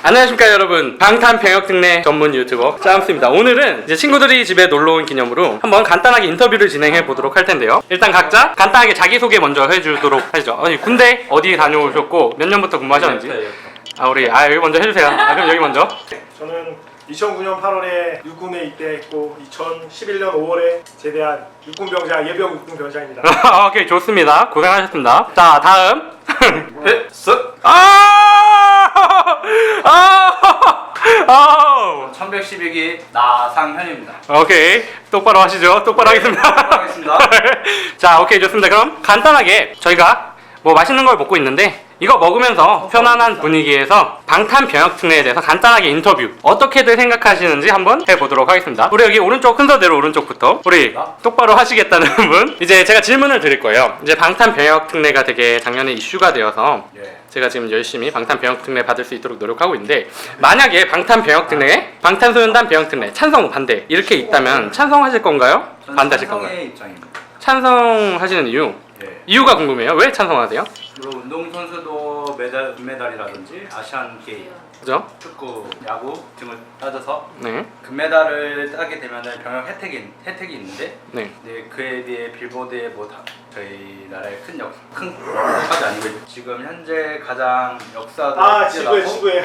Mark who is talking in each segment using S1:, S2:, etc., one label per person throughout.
S1: 안녕하십니까 여러분, 방탄병역특례 전문 유튜버 짬스입니다. 오늘은 이제 친구들이 집에 놀러온 기념으로 한번 간단하게 인터뷰를 진행해 보도록 할 텐데요. 일단 각자 간단하게 자기소개 먼저 해주도록 하시죠. 군대 어디 다녀오셨고 몇 년부터 근무하셨는지. 여기 먼저 해주세요. 그럼 여기 먼저.
S2: 저는 2009년 8월에 육군에 입대했고 2011년 5월에 제대한 육군병장 예비역 육군병장입니다.
S1: 오케이, 좋습니다. 고생하셨습니다. 자, 다음. 아!
S3: 1112기 나상현입니다.
S1: 오케이, 똑바로 하시죠. 똑바로 하겠습니다.
S3: 하겠습니다.
S1: 자, 오케이, 좋습니다. 그럼 간단하게 저희가 뭐 맛있는 걸 먹고 있는데 이거 먹으면서 편안한 분위기에서 방탄병역특례에 대해서 간단하게 인터뷰 어떻게들 생각하시는지 한번 해보도록 하겠습니다. 우리 여기 오른쪽 순서대로 오른쪽부터 우리 똑바로 하시겠다는 분, 이제 제가 질문을 드릴 거예요. 이제 방탄병역특례가 되게 작년에 이슈가 되어서 제가 지금 열심히 방탄병역특례 받을 수 있도록 노력하고 있는데, 만약에 방탄병역특례, 방탄소년단 병역특례 찬성 반대 이렇게 있다면 찬성하실 건가요? 반대하실 건가요?
S3: 찬성의 입장입니다.
S1: 찬성하시는 이유? 이유가 궁금해요. 왜 찬성하세요?
S3: 그리고 운동선수도 금메달이라든지 아시안 게임,
S1: 그죠?
S3: 축구, 야구 등을 따져서
S1: 네.
S3: 금메달을 따게 되면 병역 혜택이 있는데,
S1: 네.
S3: 그에 비해 빌보드에 저희 나라의 큰 역사까지 아니고 지금 현재 가장 역사도
S2: 지구에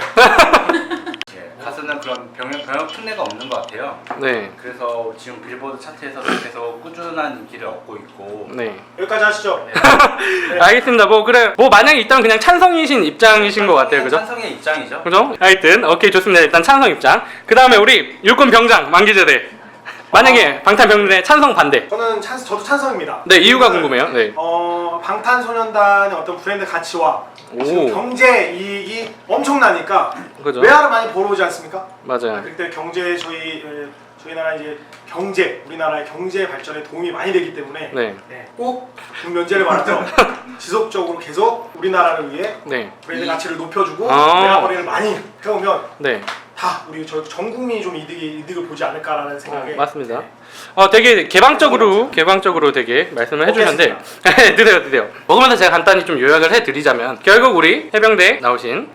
S3: 가수는 그런 병역 특례가 없는 것 같아요.
S1: 네.
S3: 그래서 지금 빌보드 차트에서도 계속 꾸준한 인기를 얻고 있고.
S1: 네.
S2: 여기까지 하시죠.
S1: 네. 알겠습니다. 뭐 만약에 일단 그냥 찬성이신 입장이신 것 같아요. 그죠?
S3: 찬성의 입장이죠.
S1: 그죠? 하여튼 오케이, 좋습니다. 일단 찬성 입장. 그 다음에 우리 육군 병장 만기제대. 만약에 방탄병역특례 찬성 반대.
S2: 저도 찬성입니다.
S1: 네, 이유가 궁금해요. 네.
S2: 방탄소년단의 어떤 브랜드 가치와 지금 경제 이익이 엄청나니까
S1: 그죠?
S2: 외화를 많이 벌어오지 않습니까?
S1: 맞아요.
S2: 그때 경제 저희 나라 이제 우리나라의 경제 발전에 도움이 많이 되기 때문에 꼭 군면제를 받아서 지속적으로 계속 우리나라를 위해 브랜드 가치를 높여주고 외화 거래를 많이 해오면 다 우리 전 국민이 좀 이득을 보지 않을까라는 생각에.
S1: 맞습니다. 되게 개방적으로 되게 말씀을 해주셨는데 드세요. 먹으면서 제가 간단히 좀 요약을 해드리자면, 결국 우리 해병대 나오신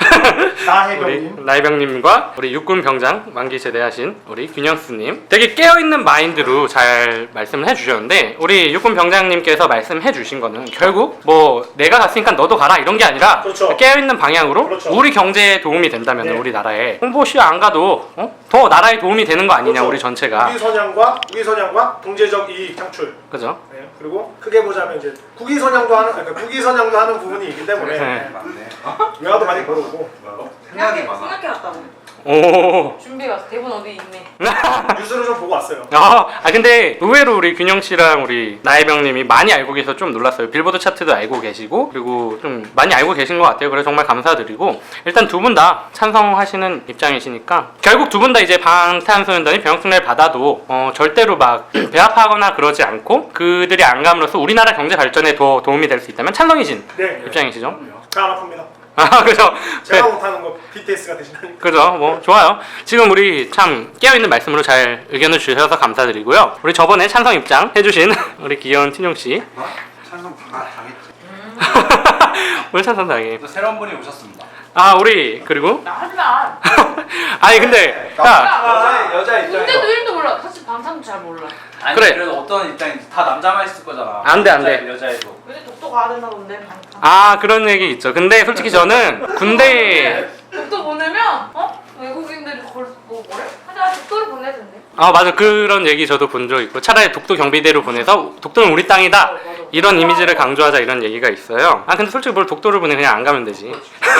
S1: 나해병님과 우리 육군 병장 만기 제대하신 우리 균영스님, 되게 깨어있는 마인드로 잘 말씀을 해주셨는데, 우리 육군 병장님께서 말씀해 주신 거는 결국 뭐 내가 갔으니까 너도 가라 이런 게 아니라 깨어있는 방향으로 우리 경제에 도움이 된다면 우리나라에 홍보시 안 가도 더 나라에 도움이 되는 거 아니냐. 우리 전체가
S2: 국위선양과 경제적 이익 창출.
S1: 그죠?
S2: 그리고 크게 보자면 이제 국위선양도 하는 부분이 있기 때문에 외화도 많이 벌어오고.
S4: 생각해왔다고.
S1: 오.
S4: 준비해왔어. 대본 어디 있네.
S2: 뉴스를 좀 보고 왔어요.
S1: 근데 의외로 우리 균영 씨랑 우리 나혜병님이 많이 알고 계셔서 좀 놀랐어요. 빌보드 차트도 알고 계시고, 그리고 좀 많이 알고 계신 것 같아요. 그래서 정말 감사드리고, 일단 두 분 다 찬성하시는 입장이시니까 결국 두 분 다 이제 방탄소년단이 병역특례를 받아도 절대로 막 배합하거나 그러지 않고 그들이 안 감으로써 우리나라 경제 발전에 더 도움이 될 수 있다면 찬성이신 입장이시죠?
S2: 잘 안 아픕니다.
S1: 그죠?
S2: 제가 못하는 거 BTS가 대신하니까.
S1: 그죠? 뭐 좋아요. 지금 우리 참 깨어있는 말씀으로 잘 의견을 주셔서 감사드리고요. 우리 저번에 찬성 입장 해주신 우리 귀여운 tin용 씨.
S3: 찬성 당했지.
S1: 오늘 찬성 당해.
S3: 또 새로운 분이 오셨습니다.
S1: 우리 그리고
S4: 나 하지마.
S1: 아니 근데
S3: 여자 입장에서.
S4: 군대도 이름도 몰라. 사실 방탄도 잘 몰라.
S3: 아니,
S1: 그래.
S3: 그래도 어떤 입장인지 다 남자만 있을 거잖아.
S1: 안 돼.
S3: 여자애도.
S4: 근데 독도 가야 된다 본데 방탄.
S1: 그런 얘기 있죠. 근데 솔직히 저는 군대에
S4: 독도 보내면 외국인들이 뭐래? 하자 독도를 보내야 된대.
S1: 맞아, 그런 얘기 저도 본 적 있고, 차라리 독도 경비대로 보내서 독도는 우리 땅이다 이런 이미지를 강조하자 이런 얘기가 있어요. 근데 솔직히 뭘 독도를 보내, 그냥 안 가면 되지.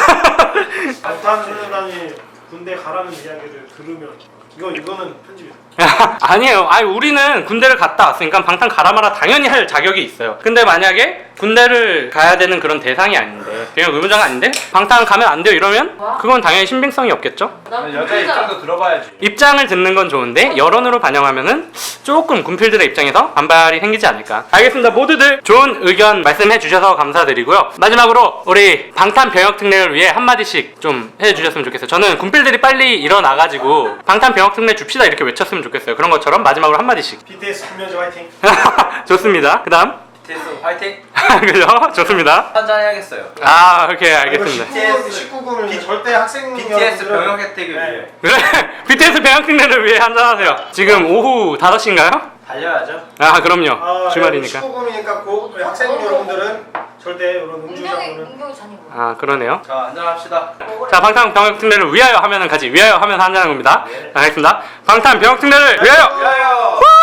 S2: 방탄소년단이 군대 가라는 이야기를 들으면 이거는 편집이다.
S1: 아니에요. 우리는 군대를 갔다 왔으니까 방탄 가라 마라 당연히 할 자격이 있어요. 근데 만약에 군대를 가야 되는 그런 대상이 아닌데, 그냥 의무자가 아닌데 방탄 가면 안 돼요 이러면 그건 당연히 신빙성이 없겠죠?
S3: 여자 입장도 들어봐야지.
S1: 입장을 듣는 건 좋은데 여론으로 반영하면은 조금 군필들의 입장에서 반발이 생기지 않을까. 알겠습니다. 모두들 좋은 의견 말씀해 주셔서 감사드리고요. 마지막으로 우리 방탄병역특례를 위해 한마디씩 좀 해주셨으면 좋겠어요. 저는 군필들이 빨리 일어나가지고 방탄병역특례 줍시다 이렇게 외쳤으면 좋겠어요. 그런 것처럼 마지막으로 한마디씩.
S2: BTS 군면제 화이팅.
S1: 좋습니다. 그 다음
S3: BTS 파이팅!
S1: 그죠? 좋습니다.
S3: 한잔 해야겠어요.
S1: 아, 오케이, 알겠습니다.
S2: 19금은 절대 학생
S3: BTS
S2: 여러분들은
S3: 병역 혜택을
S2: 네.
S3: 위해
S1: 그래, BTS 배양팀들을 위해 한잔하세요. 지금 오후 5시인가요?
S3: 달려야죠.
S1: 아, 그럼요. 주말이니까.
S2: 19금이니까 고 우리 학생 여러분들은 절대 이런 음주장은
S4: 운동이 잔이고.
S1: 아, 그러네요.
S3: 자, 한잔합시다.
S1: 자, 방탄 병역특례를 위하여 하면은 같이 위하여 하면서 한잔하는 겁니다.
S2: 네.
S1: 자, 알겠습니다. 방탄 병역특례를 위하여!
S3: 위하여!
S1: 후!